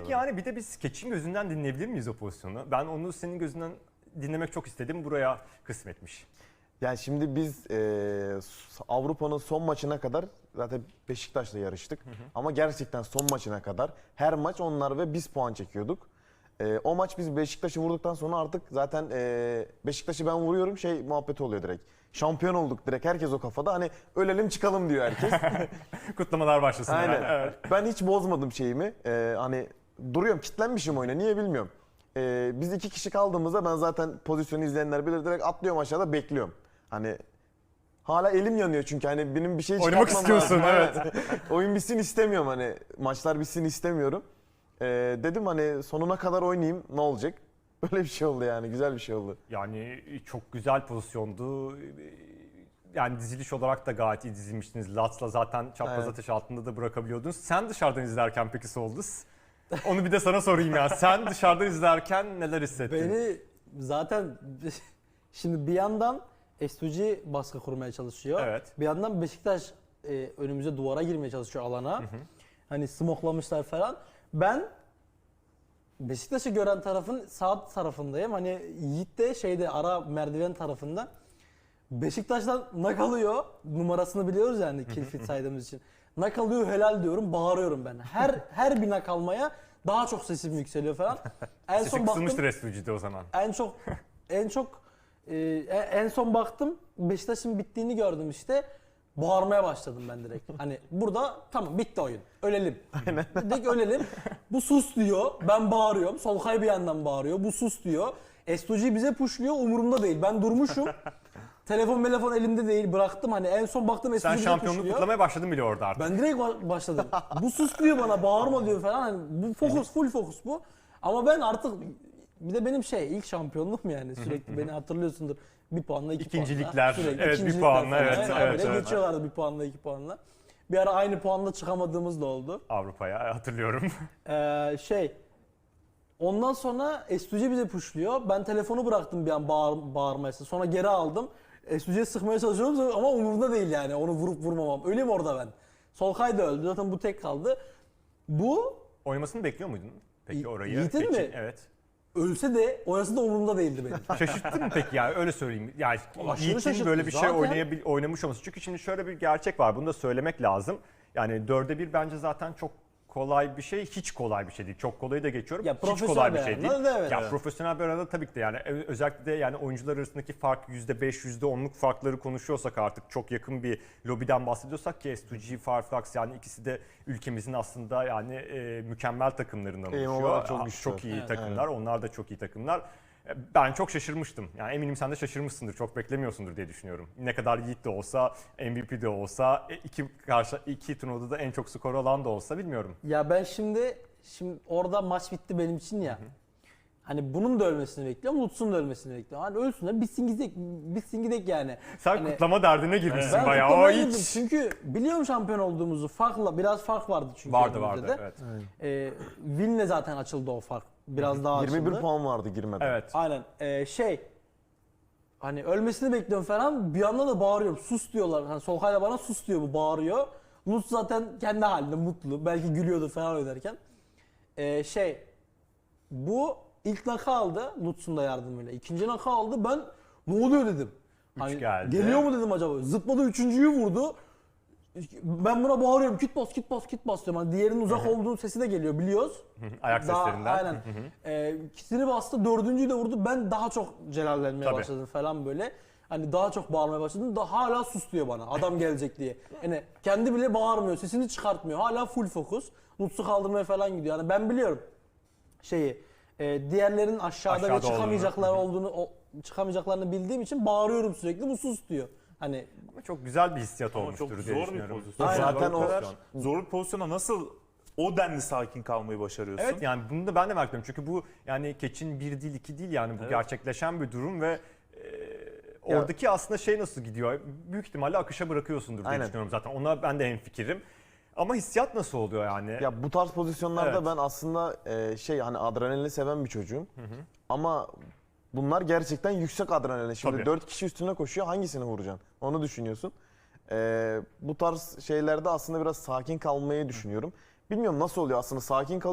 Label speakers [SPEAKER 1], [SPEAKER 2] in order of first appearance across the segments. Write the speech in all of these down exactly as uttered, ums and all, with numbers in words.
[SPEAKER 1] Peki yani bir de biz Keçin gözünden dinleyebilir miyiz o pozisyonu? Ben onu senin gözünden dinlemek çok istedim. Buraya kısmetmiş.
[SPEAKER 2] Yani şimdi biz e, Avrupa'nın son maçına kadar zaten Beşiktaş'la yarıştık. Hı hı. Ama gerçekten son maçına kadar her maç onlar ve biz puan çekiyorduk. E, o maç biz Beşiktaş'ı vurduktan sonra artık zaten e, Beşiktaş'ı ben vuruyorum şey muhabbeti oluyor direkt. Şampiyon olduk direkt, herkes o kafada, hani ölelim çıkalım diyor herkes.
[SPEAKER 1] Kutlamalar başlasın.
[SPEAKER 2] Aynen.
[SPEAKER 1] Yani. Evet.
[SPEAKER 2] Ben hiç bozmadım şeyimi. E, hani duruyorum, kitlenmişim oyuna, niye bilmiyorum. E, biz iki kişi kaldığımızda ben zaten pozisyonu izleyenler bilir, direkt atlıyorum aşağıda bekliyorum. Hani hala elim yanıyor çünkü hani benim bir şey çıkartmam
[SPEAKER 1] Oynamak istiyorsun,
[SPEAKER 2] lazım.
[SPEAKER 1] evet.
[SPEAKER 2] Oyun bitsin istemiyorum, hani maçlar bitsin istemiyorum. Ee, dedim hani sonuna kadar oynayayım, ne olacak? Böyle bir şey oldu yani, güzel bir şey oldu.
[SPEAKER 1] Yani çok güzel pozisyondu. Yani diziliş olarak da gayet iyi dizilmiştiniz. Lats'la zaten çapraz
[SPEAKER 2] Evet.
[SPEAKER 1] ateş altında da bırakabiliyordunuz. Sen dışarıdan izlerken peki Soldus? Onu bir de sana sorayım ya. Sen dışarıdan izlerken neler hissettin?
[SPEAKER 3] Beni zaten şimdi bir yandan S U G baskı kurmaya çalışıyor.
[SPEAKER 1] Evet.
[SPEAKER 3] Bir yandan Beşiktaş e, önümüze duvara girmeye çalışıyor alana. Hı hı. Hani smoklamışlar falan. Ben Beşiktaş'ı gören tarafın sağ tarafındayım. Hani Yiğit de şeyde ara merdiven tarafında. Beşiktaş'tan nak alıyor. Numarasını biliyoruz yani kill feed saydığımız için. Nak alıyor, helal diyorum, bağırıyorum ben. Her her bir nak almaya daha çok sesim yükseliyor falan. En
[SPEAKER 1] Sesi
[SPEAKER 3] son baktım.
[SPEAKER 1] kısılmıştır S U G'de o zaman.
[SPEAKER 3] En çok en çok e, en son baktım Beşiktaş'ın bittiğini gördüm işte. Bağırmaya başladım ben direkt. Hani burada tamam bitti oyun. Ölelim. Aynen. Direkt ölelim. Bu sus diyor. Ben bağırıyorum. Solkay bir yandan bağırıyor. Bu sus diyor. S U G bize pushluyor. Umurumda değil. Ben durmuşum. Telefon telefon elimde değil. Bıraktım. Hani en son baktım S U G
[SPEAKER 1] Sen
[SPEAKER 3] bize
[SPEAKER 1] şampiyonluk
[SPEAKER 3] pushluyor.
[SPEAKER 1] kutlamaya başladın bile orada artık.
[SPEAKER 3] Ben direkt ba- başladım. Bu sus diyor bana. Bağırma diyor falan. Hani bu fokus, full fokus bu. Ama ben artık bir de benim şey ilk şampiyonluk mu yani, sürekli beni hatırlıyorsundur. Bir puanla iki
[SPEAKER 1] İkincilikler,
[SPEAKER 3] puanla. Sürekli
[SPEAKER 1] evet, bir
[SPEAKER 3] ikincilikler
[SPEAKER 1] puanla,
[SPEAKER 3] falan.
[SPEAKER 1] evet,
[SPEAKER 3] Yani
[SPEAKER 1] evet,
[SPEAKER 3] böyle
[SPEAKER 1] evet.
[SPEAKER 3] geçiyorlardı bir puanla iki puanla. Bir ara aynı puanla çıkamadığımız da oldu.
[SPEAKER 1] Avrupa'ya hatırlıyorum.
[SPEAKER 3] Ee, şey ondan sonra S U G bize pushluyor. Ben telefonu bıraktım bir an bağır, bağırmayası. Sonra geri aldım. S U G'ye sıkmaya çalışıyorum ama umurumda değil yani onu vurup vurmamam. Öleyim orada ben. Solkay da öldü. Zaten bu tek kaldı. Bu
[SPEAKER 1] Oynamasını bekliyor muydun? Peki
[SPEAKER 3] Y-
[SPEAKER 1] orayı.
[SPEAKER 3] Yiğit'in
[SPEAKER 1] Keçin,
[SPEAKER 3] mi?
[SPEAKER 1] Evet.
[SPEAKER 3] ölse de orası da umurumda değildi benim.
[SPEAKER 1] Şaşırttın mı peki ya? Öyle söyleyeyim. Yani
[SPEAKER 3] Aşırı
[SPEAKER 1] Yiğit'in
[SPEAKER 3] şaşırttı.
[SPEAKER 1] böyle bir şey
[SPEAKER 3] Zaten-
[SPEAKER 1] oynayabil, oynamış olması. Çünkü şimdi şöyle bir gerçek var. Bunu da söylemek lazım. Yani dörde bir bence zaten çok kolay bir şey. Hiç kolay bir şey değil. Çok kolayı da geçiyorum.
[SPEAKER 3] Ya
[SPEAKER 1] Hiç
[SPEAKER 3] profesyonel
[SPEAKER 1] kolay bir
[SPEAKER 3] bir
[SPEAKER 1] şey değil.
[SPEAKER 3] arada da evet.
[SPEAKER 1] Ya
[SPEAKER 3] Evet.
[SPEAKER 1] profesyonel bir arada tabii ki de yani Ö- özellikle de yani oyuncular arasındaki fark yüzde beş, yüzde onluk farkları konuşuyorsak artık çok yakın bir lobiden bahsediyorsak ki S iki G, Farflax yani ikisi de ülkemizin aslında yani e, mükemmel takımlarından
[SPEAKER 2] Eğim
[SPEAKER 1] oluşuyor.
[SPEAKER 2] olarak çok
[SPEAKER 1] Aa,
[SPEAKER 2] güçlü.
[SPEAKER 1] Çok iyi
[SPEAKER 3] Evet,
[SPEAKER 1] takımlar. Onlar da çok iyi takımlar. Ben çok şaşırmıştım. Yani eminim sen de şaşırmışsındır. Çok beklemiyorsundur diye düşünüyorum. Ne kadar Yiğit de olsa, M V P de olsa, iki karşı iki turnuvada da en çok skor alan da olsa bilmiyorum.
[SPEAKER 3] Ya ben şimdi şimdi orada maç bitti benim için ya. Hı hı. Hani bunun da ölmesini bekliyorum, Lutz'un da ölmesini bekliyorum. Hani ölsün de bitsin gidek, bitsin gidek yani.
[SPEAKER 1] Sen
[SPEAKER 3] hani,
[SPEAKER 1] kutlama derdine girmişsin
[SPEAKER 3] ben
[SPEAKER 1] bayağı. O
[SPEAKER 3] kutlamaya girdim
[SPEAKER 1] hiç.
[SPEAKER 3] çünkü biliyorum şampiyon olduğumuzu. Farkla biraz fark vardı çünkü.
[SPEAKER 1] Vardı
[SPEAKER 3] önümüzde
[SPEAKER 1] vardı
[SPEAKER 3] de.
[SPEAKER 1] evet.
[SPEAKER 3] Ee, Win'le zaten açıldı o fark. Biraz daha açıldı.
[SPEAKER 2] yirmi bir puan vardı girmeden.
[SPEAKER 1] Evet.
[SPEAKER 3] Aynen. Ee, şey hani ölmesini bekliyorum falan. Bir anda da bağırıyorum. Sus diyorlar. Hani Solkay'la bana sus diyor, bu bağırıyor. Lutz zaten kendi halinde mutlu. Belki gülüyordu falan oynarken. Ee, şey bu ilk naka aldı Lutz'un da yardımıyla. İkinci naka aldı. Ben ne oluyor dedim. Hani,
[SPEAKER 1] geldi.
[SPEAKER 3] geliyor mu dedim acaba. Zıpladı, üçüncüyü vurdu. Ben buna bağırıyorum. Kit bas, kit bas, kit bas diyorum. Hani diğerinin uzak olduğu sesi de geliyor, biliyoruz.
[SPEAKER 1] Ayak
[SPEAKER 3] Daha-
[SPEAKER 1] seslerinden.
[SPEAKER 3] Aynen. Ee, kitini bastı, dördüncüyü de vurdu. Ben daha çok celallenmeye
[SPEAKER 1] Tabii.
[SPEAKER 3] başladım falan böyle. Hani daha çok bağırmaya başladım. Da hala sus diyor bana. Adam gelecek diye. Yani kendi bile bağırmıyor, sesini çıkartmıyor. Hala full fokus. Lutz'u kaldırmaya falan gidiyor. Yani ben biliyorum şeyi. E, diğerlerinin aşağıda,
[SPEAKER 1] Aşağıda
[SPEAKER 3] ve çıkamayacaklar olduğunu, o, çıkamayacaklarını bildiğim için bağırıyorum sürekli. Bu sus diyor. Hani
[SPEAKER 1] Ama çok güzel bir hissiyat
[SPEAKER 4] Ama
[SPEAKER 1] olmuştur
[SPEAKER 4] çok
[SPEAKER 1] diye
[SPEAKER 4] zor bir
[SPEAKER 1] düşünüyorum.
[SPEAKER 4] pozisyon.
[SPEAKER 3] Aynen.
[SPEAKER 2] Zaten
[SPEAKER 1] Zor
[SPEAKER 2] o-
[SPEAKER 1] bir pozisyon.
[SPEAKER 4] Zor bir pozisyona nasıl o denli sakin kalmayı başarıyorsun?
[SPEAKER 1] Evet yani bunu da ben de merak ediyorum. Çünkü bu yani Keçin bir değil iki değil yani bu
[SPEAKER 4] Evet.
[SPEAKER 1] gerçekleşen bir durum ve e, oradaki aslında şey nasıl gidiyor? Büyük ihtimalle akışa bırakıyorsundur diye
[SPEAKER 2] Aynen.
[SPEAKER 1] düşünüyorum zaten. Ona ben de hemfikirim. Ama hissiyat nasıl oluyor yani?
[SPEAKER 2] Ya bu tarz pozisyonlarda
[SPEAKER 1] Evet.
[SPEAKER 2] ben aslında e, şey hani adrenalini seven bir çocuğum. Ama bunlar gerçekten yüksek adrenalin. Şimdi
[SPEAKER 1] Tabii.
[SPEAKER 2] dört kişi üstüne koşuyor, hangisini vuracaksın? Onu düşünüyorsun. E, bu tarz şeylerde aslında biraz sakin kalmayı düşünüyorum. Bilmiyorum nasıl oluyor, aslında sakin kalıyorum.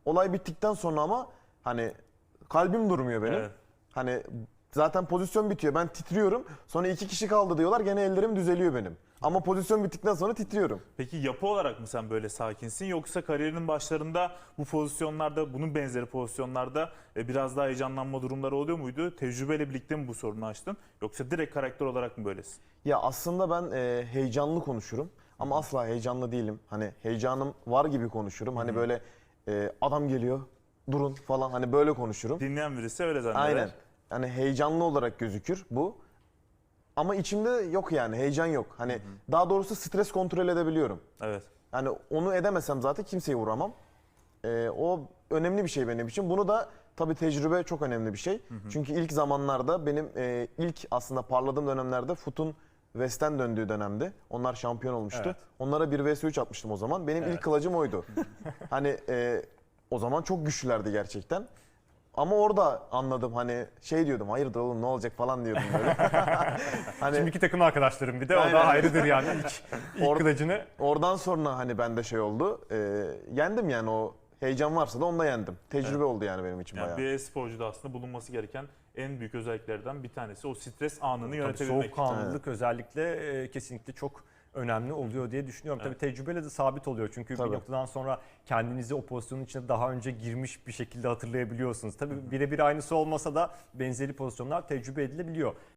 [SPEAKER 2] Olay bittikten sonra ama hani kalbim durmuyor benim.
[SPEAKER 4] Evet.
[SPEAKER 2] Hani zaten pozisyon bitiyor. Ben titriyorum. Sonra iki kişi kaldı diyorlar. Gene ellerim düzeliyor benim. Ama pozisyon bittikten sonra titriyorum.
[SPEAKER 4] Peki yapı olarak mı sen böyle sakinsin yoksa kariyerinin başlarında bu pozisyonlarda, bunun benzeri pozisyonlarda e, biraz daha heyecanlanma durumları oluyor muydu? Tecrübeyle birlikte mi bu sorunu açtın yoksa direkt karakter olarak mı böylesin?
[SPEAKER 2] Ya aslında ben e, heyecanlı konuşurum ama asla heyecanlı değilim. Hani heyecanım var gibi konuşurum. Hani böyle e, adam geliyor, durun falan hani böyle konuşurum.
[SPEAKER 4] Dinleyen birisi öyle zanneder.
[SPEAKER 2] Aynen. Hani heyecanlı olarak gözükür bu. Ama içimde yok yani heyecan yok. Hani daha doğrusu stres kontrol edebiliyorum.
[SPEAKER 4] Evet.
[SPEAKER 2] Hani onu edemesem zaten kimseye vuramam. Ee, o önemli bir şey benim için. Bunu da tabii tecrübe çok önemli bir şey. Çünkü ilk zamanlarda benim e, ilk aslında parladığım dönemlerde Foot'un West'ten döndüğü dönemdi. Onlar şampiyon olmuştu.
[SPEAKER 1] Evet.
[SPEAKER 2] Onlara bir vs üç atmıştım o zaman. Benim
[SPEAKER 1] Evet.
[SPEAKER 2] ilk kılıcım oydu. Hani e, o zaman çok güçlülerdi gerçekten. Ama orada anladım hani şey diyordum hayırdır oğlum ne olacak falan diyordum böyle. hani
[SPEAKER 1] Şimdiki takım arkadaşlarım bir de o
[SPEAKER 2] Aynen.
[SPEAKER 1] da ayrıdır yani ilk, ilk
[SPEAKER 2] Or-
[SPEAKER 1] kılıcını.
[SPEAKER 2] oradan sonra hani bende şey oldu. E, yendim yani o heyecan varsa da onda yendim. Tecrübe oldu yani benim için
[SPEAKER 4] Yani
[SPEAKER 2] bayağı.
[SPEAKER 4] bir e-sporcuda aslında bulunması gereken en büyük özelliklerden bir tanesi o stres anını
[SPEAKER 1] Tabii
[SPEAKER 4] yönetebilmek.
[SPEAKER 1] soğukkanlılık özellikle e, kesinlikle çok önemli oluyor diye düşünüyorum.
[SPEAKER 4] Evet.
[SPEAKER 1] Tabii tecrübeyle de sabit oluyor. Çünkü
[SPEAKER 2] Tabii.
[SPEAKER 1] bir noktadan sonra kendinizi o pozisyonun içine daha önce girmiş bir şekilde hatırlayabiliyorsunuz. Tabii birebir aynısı olmasa da benzeri pozisyonlar tecrübe edilebiliyor.